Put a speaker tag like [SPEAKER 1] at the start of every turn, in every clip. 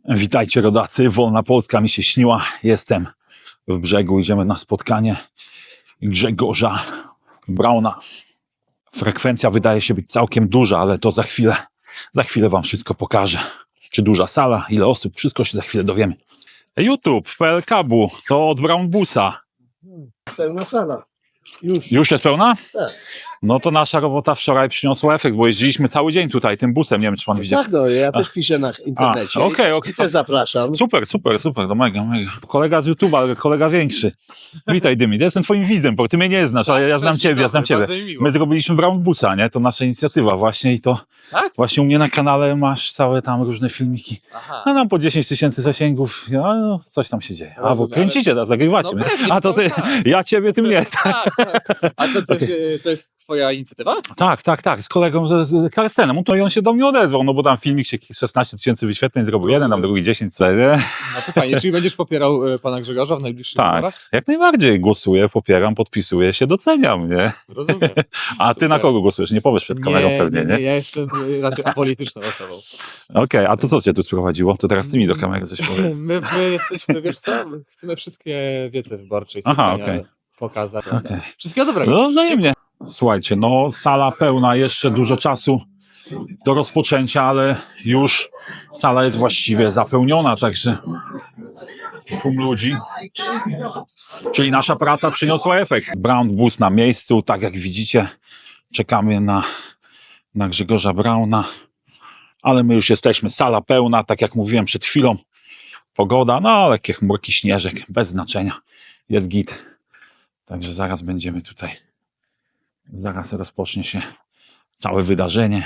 [SPEAKER 1] Witajcie rodacy, wolna Polska mi się śniła. Jestem w Brzegu, idziemy na spotkanie Grzegorza Brauna. Frekwencja wydaje się być całkiem duża, ale to za chwilę wam wszystko pokażę. Czy duża sala, ile osób, wszystko się za chwilę dowiemy. YouTube, PLK-bu, to od Brownbusa.
[SPEAKER 2] Pełna sala.
[SPEAKER 1] Już jest pełna?
[SPEAKER 2] Tak.
[SPEAKER 1] No to nasza robota wczoraj przyniosła efekt, bo jeździliśmy cały dzień tutaj tym busem, nie wiem czy pan widział.
[SPEAKER 2] Tak, no, ja też piszę na internecie.
[SPEAKER 1] Okej.
[SPEAKER 2] I też zapraszam.
[SPEAKER 1] Super, no mega. Kolega z YouTube'a, ale kolega większy. Witaj Dymit, ja jestem twoim widzem, bo ty mnie nie znasz, ale ja znam ciebie, My zrobiliśmy Brownbusa, nie? To nasza inicjatywa właśnie i to
[SPEAKER 3] Tak?
[SPEAKER 1] właśnie u mnie na kanale masz całe tam różne filmiki.
[SPEAKER 3] Aha.
[SPEAKER 1] A tam po 10 000 zasięgów, no, coś tam się dzieje. A, bo
[SPEAKER 3] Rozumiem,
[SPEAKER 1] kręcicie, zagrywacie.
[SPEAKER 3] No pewnie,
[SPEAKER 1] A to ty, ja ciebie, ty mnie.
[SPEAKER 3] Tak. A co, to jest twoja inicjatywa?
[SPEAKER 1] Tak, z kolegą z Karstenem. To i on się do mnie odezwał, no bo tam filmik się 16 000 wyświetleń zrobił, jeden, tam drugi 10, co nie?
[SPEAKER 3] No to fajnie, czyli będziesz popierał pana Grzegorza w najbliższych wyborach?
[SPEAKER 1] Tak, jak najbardziej głosuję, popieram, podpisuję się, doceniam, nie?
[SPEAKER 3] Rozumiem.
[SPEAKER 1] A ty na kogo głosujesz? Nie powiesz przed kamerą pewnie, nie?
[SPEAKER 3] Ja jestem raczej apolityczną osobą.
[SPEAKER 1] Okej, a to co cię tu sprowadziło? To teraz ty mi do kamery coś powiedz.
[SPEAKER 3] My jesteśmy, wiesz co, chcemy wszystkie wiece wyborcze i
[SPEAKER 1] Aha,
[SPEAKER 3] spotkania pokazać.
[SPEAKER 1] Okej.
[SPEAKER 3] Wszystkiego dobrego.
[SPEAKER 1] No wzajemnie. Słuchajcie, no sala pełna, jeszcze dużo czasu do rozpoczęcia, ale już sala jest właściwie zapełniona, także tłum ludzi. Czyli nasza praca przyniosła efekt. Brownbus na miejscu, tak jak widzicie, czekamy na Grzegorza Brauna, ale my już jesteśmy, sala pełna, tak jak mówiłem przed chwilą, pogoda, no lekkie chmurki, śnieżek, bez znaczenia, jest git. Także zaraz będziemy tutaj, zaraz rozpocznie się całe wydarzenie.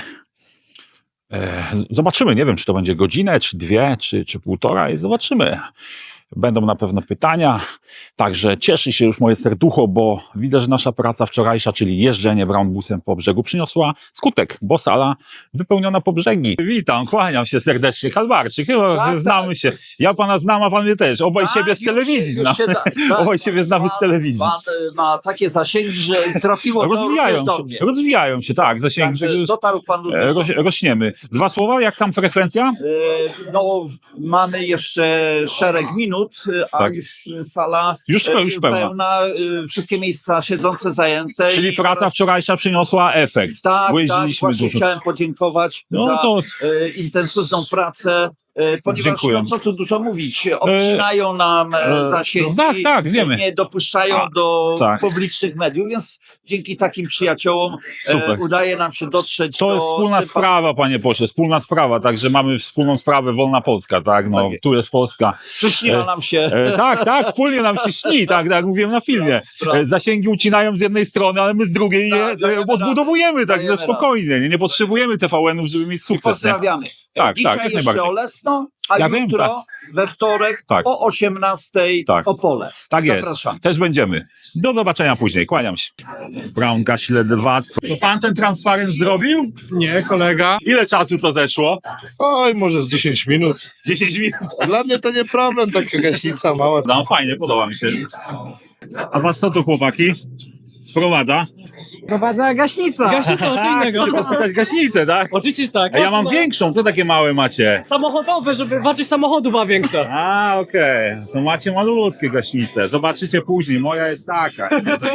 [SPEAKER 1] Zobaczymy, nie wiem, czy to będzie godzinę, czy dwie, czy półtora i zobaczymy. Będą na pewno pytania, także cieszy się już moje serducho, bo widzę, że nasza praca wczorajsza, czyli jeżdżenie Brownbusem po brzegu przyniosła skutek, bo sala wypełniona po brzegi. Witam, kłaniam się serdecznie, Kalwarczyk, chyba znamy się. Ja pana znam, a pan mnie też. Obaj siebie z telewizji znamy. Obaj siebie znamy z telewizji.
[SPEAKER 4] Pan ma takie zasięgi, że trafiło to również do mnie.
[SPEAKER 1] Rozwijają się, tak, zasięgi.
[SPEAKER 4] Także dotarł pan
[SPEAKER 1] Rośniemy. Dwa słowa, jak tam frekwencja?
[SPEAKER 4] No, mamy jeszcze szereg minut, a
[SPEAKER 1] Tak.
[SPEAKER 4] już sala
[SPEAKER 1] Już pełna.
[SPEAKER 4] wszystkie miejsca siedzące zajęte.
[SPEAKER 1] Czyli
[SPEAKER 4] I
[SPEAKER 1] praca wczorajsza przyniosła efekt.
[SPEAKER 4] Tak,
[SPEAKER 1] Bo
[SPEAKER 4] tak,
[SPEAKER 1] jeździliśmy
[SPEAKER 4] właśnie
[SPEAKER 1] dużo.
[SPEAKER 4] chciałem podziękować
[SPEAKER 1] No
[SPEAKER 4] za
[SPEAKER 1] to
[SPEAKER 4] intensywną pracę, ponieważ
[SPEAKER 1] Dziękuję.
[SPEAKER 4] no, co tu dużo mówić, obcinają nam zasięgi,
[SPEAKER 1] tak, wiemy.
[SPEAKER 4] nie dopuszczają do
[SPEAKER 1] tak.
[SPEAKER 4] publicznych mediów, więc dzięki takim przyjaciołom
[SPEAKER 1] Super.
[SPEAKER 4] udaje nam się dotrzeć
[SPEAKER 1] to
[SPEAKER 4] do
[SPEAKER 1] jest wspólna sprawa, panie pośle, wspólna sprawa, także mamy wspólną sprawę Wolna Polska, tak, no,
[SPEAKER 4] Tak jest.
[SPEAKER 1] tu jest Polska.
[SPEAKER 4] Przyśniła nam się.
[SPEAKER 1] Tak, wspólnie nam się śni, tak jak mówiłem na filmie. Zasięgi ucinają z jednej strony, ale my z drugiej je
[SPEAKER 4] Tak, dajemy
[SPEAKER 1] odbudowujemy, także
[SPEAKER 4] Dajemy
[SPEAKER 1] spokojnie, nie potrzebujemy TVN-ów, żeby mieć
[SPEAKER 4] I
[SPEAKER 1] sukces. Nie?
[SPEAKER 4] pozdrawiamy.
[SPEAKER 1] Tak,
[SPEAKER 4] Dzisiaj
[SPEAKER 1] jak
[SPEAKER 4] jeszcze
[SPEAKER 1] najbardziej.
[SPEAKER 4] Olesno, a
[SPEAKER 1] Ja wiem,
[SPEAKER 4] jutro we wtorek
[SPEAKER 1] Tak.
[SPEAKER 4] o 18:00
[SPEAKER 1] Tak.
[SPEAKER 4] Opole.
[SPEAKER 1] Tak jest,
[SPEAKER 4] Zapraszam.
[SPEAKER 1] też będziemy. Do zobaczenia później, kłaniam się. Braunka, śledztwactwo. To pan ten transparent zrobił?
[SPEAKER 5] Nie, kolega.
[SPEAKER 1] Ile czasu to zeszło?
[SPEAKER 5] Oj, może z 10 minut.
[SPEAKER 1] 10 minut.
[SPEAKER 5] Dla mnie to nie problem, taka gaśnica mała.
[SPEAKER 1] No fajnie, podoba mi się. A was co tu chłopaki? Sprowadza?
[SPEAKER 2] Prowadza gaśnica.
[SPEAKER 6] Gaśnica, co innego.
[SPEAKER 1] Chcecie podpisać gaśnicę, tak?
[SPEAKER 6] Oczywiście tak.
[SPEAKER 1] A ja mam większą, co takie małe macie?
[SPEAKER 6] Samochodowe, żeby wartość samochodu była większa.
[SPEAKER 1] A, okej. To macie malutkie gaśnice. Zobaczycie później, moja jest taka.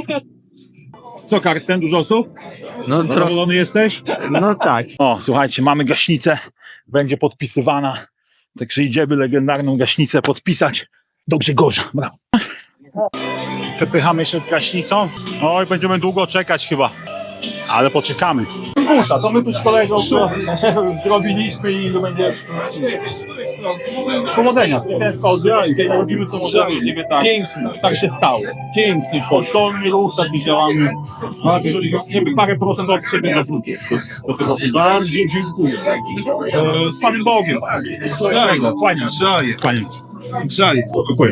[SPEAKER 1] Co, Karsten, dużo osób?
[SPEAKER 2] No,
[SPEAKER 1] Zadowolony jesteś?
[SPEAKER 2] no tak.
[SPEAKER 1] O, słuchajcie, mamy gaśnicę. Będzie podpisywana. Także idziemy legendarną gaśnicę podpisać do Grzegorza. Brawo. Przepychamy się z gaśnicą. Oj, będziemy długo czekać chyba. Ale poczekamy. To my tu z kolegą zrobiliśmy i to będzie... Powodzenia. Robimy to pięknie. Tak się stało. Piękny kosztowny ruch, taki działamy. Parę procent od siebie na do tego. Bardzo dziękuję. Z Panem Bogiem. Kłaniam się. Dziękuję.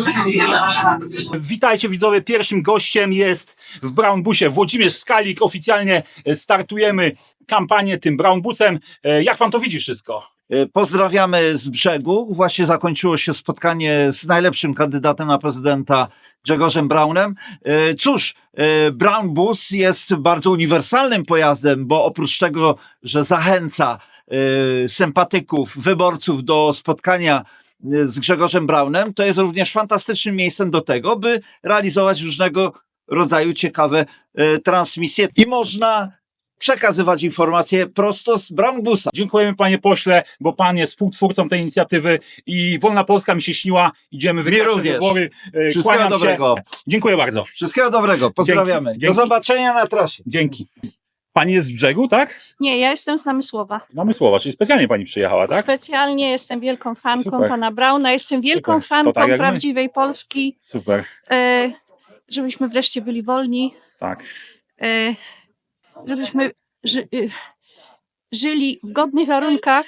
[SPEAKER 1] Witajcie widzowie, pierwszym gościem jest w Brownbusie Włodzimierz Skalik. Oficjalnie startujemy kampanię tym Brownbusem. Jak pan to widzi wszystko?
[SPEAKER 4] Pozdrawiamy z brzegu. Właśnie zakończyło się spotkanie z najlepszym kandydatem na prezydenta Grzegorzem Braunem. Cóż, Brownbus jest bardzo uniwersalnym pojazdem, bo oprócz tego, że zachęca sympatyków, wyborców do spotkania z Grzegorzem Braunem, to jest również fantastycznym miejscem do tego, by realizować różnego rodzaju ciekawe transmisje i można przekazywać informacje prosto z Braunbusa.
[SPEAKER 1] Dziękujemy panie pośle, bo pan jest współtwórcą tej inicjatywy i Wolna Polska mi się śniła. Idziemy wygrać te
[SPEAKER 4] również.
[SPEAKER 1] wybory.
[SPEAKER 4] Wszystkiego
[SPEAKER 1] Kłaniam
[SPEAKER 4] dobrego.
[SPEAKER 1] się. Dziękuję bardzo.
[SPEAKER 4] Wszystkiego dobrego, pozdrawiamy.
[SPEAKER 1] Dzięki.
[SPEAKER 4] Do zobaczenia na trasie.
[SPEAKER 1] Dzięki. Pani jest z brzegu, tak?
[SPEAKER 7] Nie, ja jestem z Namysłowa.
[SPEAKER 1] Namysłowa, czyli specjalnie pani przyjechała, tak?
[SPEAKER 7] Specjalnie jestem wielką fanką
[SPEAKER 1] Super.
[SPEAKER 7] pana Brauna, jestem wielką
[SPEAKER 1] Super. To
[SPEAKER 7] fanką
[SPEAKER 1] tak jak my.
[SPEAKER 7] prawdziwej Polski,
[SPEAKER 1] Super,
[SPEAKER 7] żebyśmy wreszcie byli wolni,
[SPEAKER 1] tak.
[SPEAKER 7] żebyśmy żyli w godnych warunkach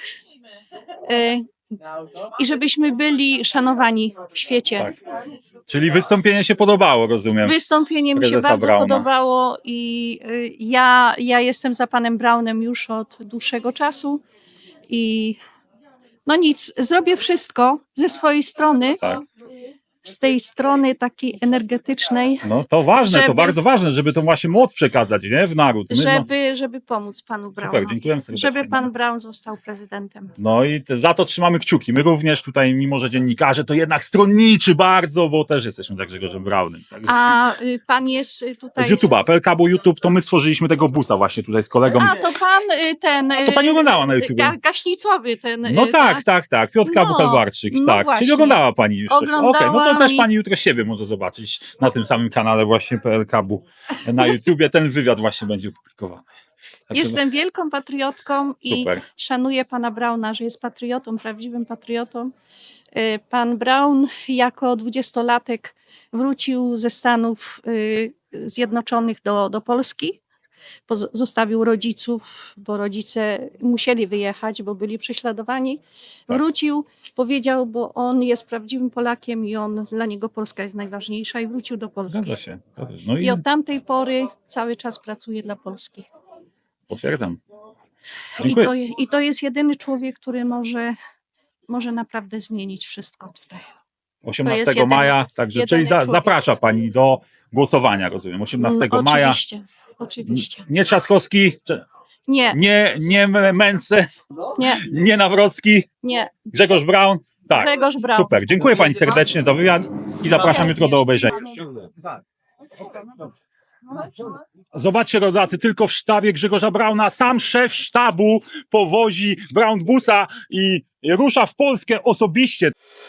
[SPEAKER 7] i żebyśmy byli szanowani w świecie.
[SPEAKER 1] Tak. Czyli wystąpienie się podobało, rozumiem.
[SPEAKER 7] Wystąpienie mi się
[SPEAKER 1] Prezesa
[SPEAKER 7] bardzo
[SPEAKER 1] Brauna.
[SPEAKER 7] podobało i ja jestem za panem Braunem już od dłuższego czasu i no nic, zrobię wszystko ze swojej strony,
[SPEAKER 1] Tak.
[SPEAKER 7] z tej strony takiej energetycznej,
[SPEAKER 1] No to ważne, to
[SPEAKER 7] Żeby-
[SPEAKER 1] bardzo ważne, żeby tą właśnie moc przekazać, nie? W naród.
[SPEAKER 7] żeby pomóc panu
[SPEAKER 1] Super,
[SPEAKER 7] Braunowi,
[SPEAKER 1] dziękujemy serdecznie.
[SPEAKER 7] żeby pan Braun został prezydentem.
[SPEAKER 1] No i za to trzymamy kciuki. My również tutaj, mimo że dziennikarze, to jednak stronniczy bardzo, bo też jesteśmy tak Grzegorzem Braunem. Także
[SPEAKER 7] A pan jest tutaj...
[SPEAKER 1] z YouTube'a, PLK, bo YouTube, to my stworzyliśmy tego busa właśnie tutaj z kolegą.
[SPEAKER 7] A, to pan ten...
[SPEAKER 1] To pani oglądała na YouTube.
[SPEAKER 7] Gaśnicowy ten...
[SPEAKER 1] No tak. Piotrka
[SPEAKER 7] No,
[SPEAKER 1] Bukalwarczyk,
[SPEAKER 7] no
[SPEAKER 1] tak.
[SPEAKER 7] właśnie.
[SPEAKER 1] Czyli oglądała pani już coś. Okej, no to
[SPEAKER 7] Oglądałam
[SPEAKER 1] też
[SPEAKER 7] i-
[SPEAKER 1] pani jutro siebie może zobaczyć na tym samym kanale właśnie PLK-bu na YouTubie. Ten wywiad właśnie będzie opublikowany. Także
[SPEAKER 7] Jestem wielką patriotką i
[SPEAKER 1] super.
[SPEAKER 7] szanuję pana Brauna, że jest patriotą, prawdziwym patriotą. Pan Braun jako 20-latek wrócił ze Stanów Zjednoczonych do Polski. Zostawił rodziców, bo rodzice musieli wyjechać, bo byli prześladowani.
[SPEAKER 1] Tak.
[SPEAKER 7] Wrócił, powiedział, bo on jest prawdziwym Polakiem i dla niego Polska jest najważniejsza i wrócił do Polski.
[SPEAKER 1] Zgadza się. No
[SPEAKER 7] I od tamtej pory cały czas pracuje dla Polski.
[SPEAKER 1] potwierdzam. Dziękuję.
[SPEAKER 7] I to jest jedyny człowiek, który może naprawdę zmienić wszystko tutaj.
[SPEAKER 1] 18
[SPEAKER 7] jedyny-
[SPEAKER 1] maja, także
[SPEAKER 7] jedyny
[SPEAKER 1] czyli
[SPEAKER 7] człowiek.
[SPEAKER 1] zaprasza pani do głosowania, rozumiem. 18 maja.
[SPEAKER 7] Oczywiście.
[SPEAKER 1] Nie Trzaskowski,
[SPEAKER 7] Nie,
[SPEAKER 1] nie Męce,
[SPEAKER 7] nie,
[SPEAKER 1] nie Nawrocki,
[SPEAKER 7] nie.
[SPEAKER 1] Grzegorz Braun. Tak.
[SPEAKER 7] Grzegorz Braun.
[SPEAKER 1] Super. Dziękuję pani serdecznie za wywiad i zapraszam jutro do obejrzenia. Zobaczcie, rodacy, tylko w sztabie Grzegorza Brauna sam szef sztabu powozi Braunbusa i rusza w Polskę osobiście.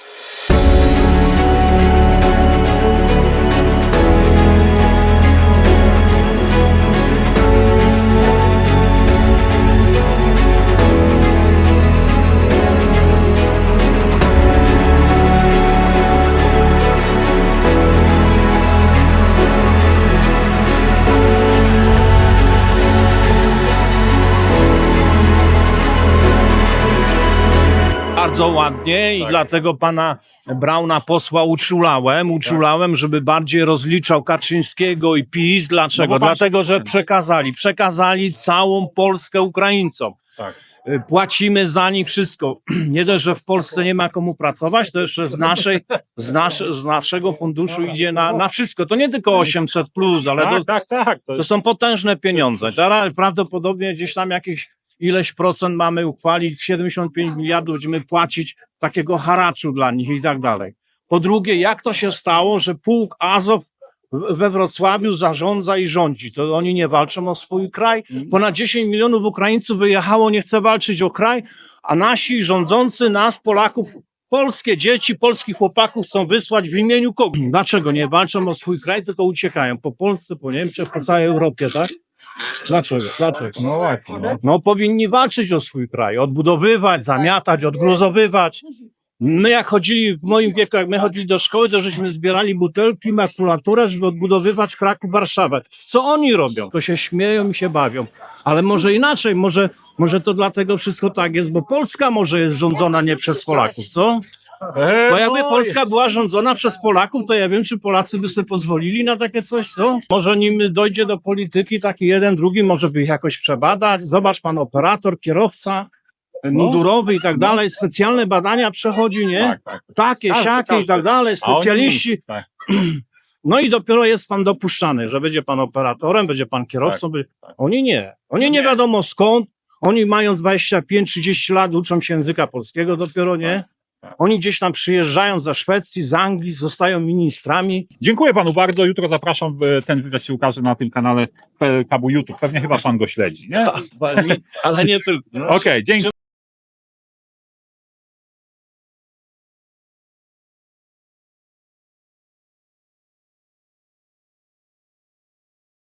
[SPEAKER 8] Bardzo ładnie i
[SPEAKER 1] Tak.
[SPEAKER 8] dlatego pana Brauna posła uczulałem, żeby bardziej rozliczał Kaczyńskiego i PiS. Dlaczego?
[SPEAKER 1] No bo pan-
[SPEAKER 8] Dlatego, że przekazali całą Polskę Ukraińcom.
[SPEAKER 1] Tak.
[SPEAKER 8] Płacimy za nich wszystko. Nie dość, że w Polsce nie ma komu pracować, to jeszcze z naszego funduszu idzie na wszystko. To nie tylko 800 plus, ale
[SPEAKER 1] Tak.
[SPEAKER 8] to są potężne pieniądze. Teraz prawdopodobnie gdzieś tam jakieś ileś procent mamy uchwalić, 75 miliardów będziemy płacić takiego haraczu dla nich i tak dalej. Po drugie, jak to się stało, że pułk Azow we Wrocławiu zarządza i rządzi? To oni nie walczą o swój kraj? Ponad 10 milionów Ukraińców wyjechało, nie chce walczyć o kraj, a nasi rządzący nas, Polaków, polskie dzieci, polskich chłopaków chcą wysłać w imieniu kogo? Dlaczego nie walczą o swój kraj, tylko uciekają po Polsce, po Niemczech, po całej Europie, tak? Dlaczego?
[SPEAKER 1] No właśnie.
[SPEAKER 8] No powinni walczyć o swój kraj, odbudowywać, zamiatać, odgruzowywać. My jak chodzili, w moim wieku, jak my chodzili do szkoły, to żeśmy zbierali butelki, makulaturę, żeby odbudowywać Kraków, Warszawę. Co oni robią? To się śmieją i się bawią. Ale może inaczej, może to dlatego wszystko tak jest, bo Polska może jest rządzona nie przez Polaków, co? Bo jakby Polska była rządzona przez Polaków, to ja wiem, czy Polacy by sobie pozwolili na takie coś, co? Może nim dojdzie do polityki taki jeden, drugi, może by ich jakoś przebadać. Zobacz, pan operator, kierowca, mundurowy i tak dalej, specjalne badania przechodzi, nie?
[SPEAKER 1] Tak.
[SPEAKER 8] Takie, siakie i tak dalej,
[SPEAKER 1] A oni-
[SPEAKER 8] specjaliści.
[SPEAKER 1] tak.
[SPEAKER 8] No i dopiero jest pan dopuszczany, że będzie pan operatorem, będzie pan kierowcą. Oni nie. Oni nie wiadomo skąd. Oni mając 25-30 lat uczą się języka polskiego dopiero, nie? Oni gdzieś tam przyjeżdżają za Szwecji, z Anglii, zostają ministrami.
[SPEAKER 1] Dziękuję panu bardzo. Jutro zapraszam, ten wywiad się ukaże na tym kanale PLK YouTube. Pewnie chyba pan go śledzi, nie?
[SPEAKER 8] Ale nie tylko.
[SPEAKER 1] Okej, dzięki.